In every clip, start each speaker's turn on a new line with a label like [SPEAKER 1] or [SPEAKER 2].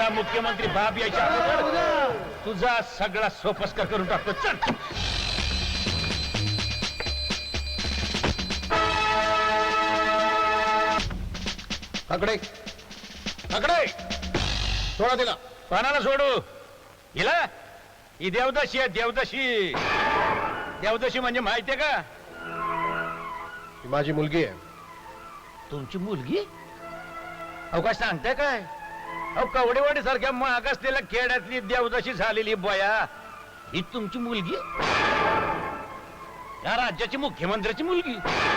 [SPEAKER 1] या मुख्यमंत्री बाप यायच्या अगोदर तुझा सगळा सोपस्कर करून टाकतो. चल
[SPEAKER 2] आकडे आकडे सोडा तिला.
[SPEAKER 1] पानाला सोडू. हिला ही देवदाशी आहे. देवदाशी देवदाशी म्हणजे माहितीये का?
[SPEAKER 2] ही माझी मुलगी आहे.
[SPEAKER 1] तुमची मुलगी? अहो काय सांगताय काय? अहो कवडेवाडी सारख्या मागासलेल्या खेड्यातली देवदाशी झालेली बया ही तुमची मुलगी? या राज्याची मुख्यमंत्र्याची मुलगी?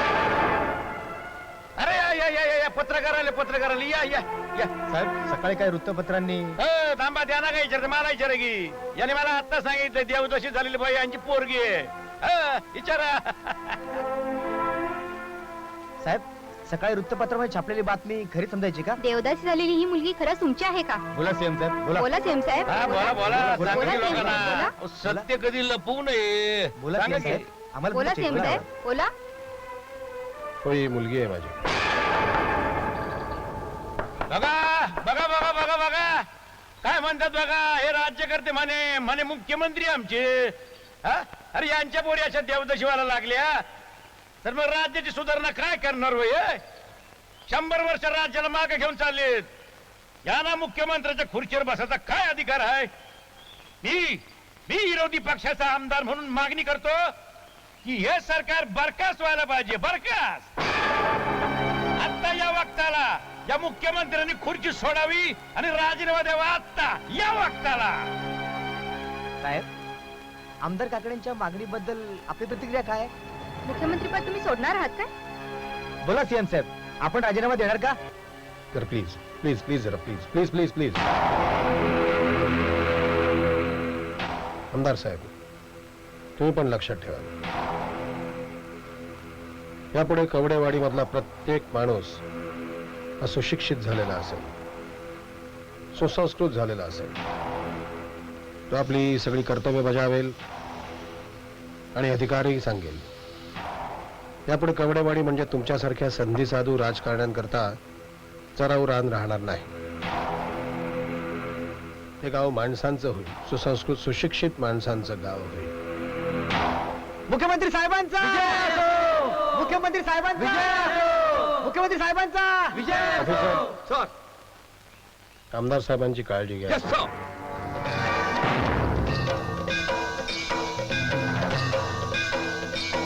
[SPEAKER 1] अरे या या या या पत्रकार आले. पत्रकार आले. या या या
[SPEAKER 3] साहेब सकाळी काय वृत्तपत्रांनी
[SPEAKER 1] थांबा. त्यांना काय विचारते? मला विचारा की. याने मला आता सांगितलं देवदाशी झालेली बाई यांची पोरगी आहे. विचारा.
[SPEAKER 3] साहेब सकाळी वृत्तपत्रामध्ये छापलेली बातमी खरी समजायची का?
[SPEAKER 4] देवदासी झालेली ही मुलगी खरंच तुमची आहे का?
[SPEAKER 3] बोला सीएम साहेब बोला.
[SPEAKER 4] बोला सीएम साहेब.
[SPEAKER 1] हा बोला बोला.
[SPEAKER 3] बोला,
[SPEAKER 1] सांगा की
[SPEAKER 4] बोला,
[SPEAKER 1] लोकांना.
[SPEAKER 4] बोला.
[SPEAKER 1] सत्य कधी लपवू नये.
[SPEAKER 3] बोला
[SPEAKER 1] सांगा
[SPEAKER 3] सीएम
[SPEAKER 1] की.
[SPEAKER 3] साहेब. आम्हाला
[SPEAKER 4] बोला
[SPEAKER 3] बोलायची,
[SPEAKER 4] सीएम
[SPEAKER 3] बोला.
[SPEAKER 4] साहेब बोला.
[SPEAKER 2] हो ही मुलगी आहे माझी.
[SPEAKER 1] बघा बघा बघा बघा बघा काय म्हणतात बघा. हे राज्यकर्ते म्हणे म्हणे मुख्यमंत्री आमचे. हा? अरे यांच्या पोरी अशा देवदाशी व्हायला लागल्या तर मग राज्याची सुधारणा काय करणार होय? 100 वर्ष राज्याला मागे घेऊन चाललेत. यांना मुख्यमंत्र्याच्या खुर्चीवर बसायचा काय अधिकार आहे? मी विरोधी पक्षाचा आमदार म्हणून मागणी करतो की हे सरकार बरखास्त व्हायला पाहिजे. बरखास्त. आता या वक्ताला या मुख्यमंत्र्यांनी खुर्ची सोडावी आणि राजीनामा द्यावा. आता या वक्ताला.
[SPEAKER 3] साहेब आमदार काकड्यांच्या मागणीबद्दल आपली प्रतिक्रिया काय आहे?
[SPEAKER 4] मुख्यमंत्री पद तुम्ही सोडणार आहात काय?
[SPEAKER 3] बोला सीएम साहेब आपण राजीनामा देणार का?
[SPEAKER 2] तर प्लीज प्लीज प्लीज जरा प्लीज प्लीज प्लीज प्लीज. आमदार साहेब तुम्ही पण लक्षात ठेवा. यापुढे कवडेवाडी मधला प्रत्येक माणूस हा सुशिक्षित झालेला असेल, सुसंस्कृत झालेला असेल. तो आपली सगळी कर्तव्य बजावेल आणि अधिकारही सांगेल. यापुढे कवडेवाडी म्हणजे तुमच्यासारख्या संधी साधू राजकारण्यांकरता चराऊ रान राहणार नाही. हे गाव माणसांचं होईल. सुसंस्कृत सुशिक्षित माणसांचं गाव होईल.
[SPEAKER 3] मुख्यमंत्री साहेबांचा मुख्यमंत्री साहेबांचा मुख्यमंत्री साहेबांचा
[SPEAKER 2] ऑफिसर, आमदार साहेबांची काळजी घ्या.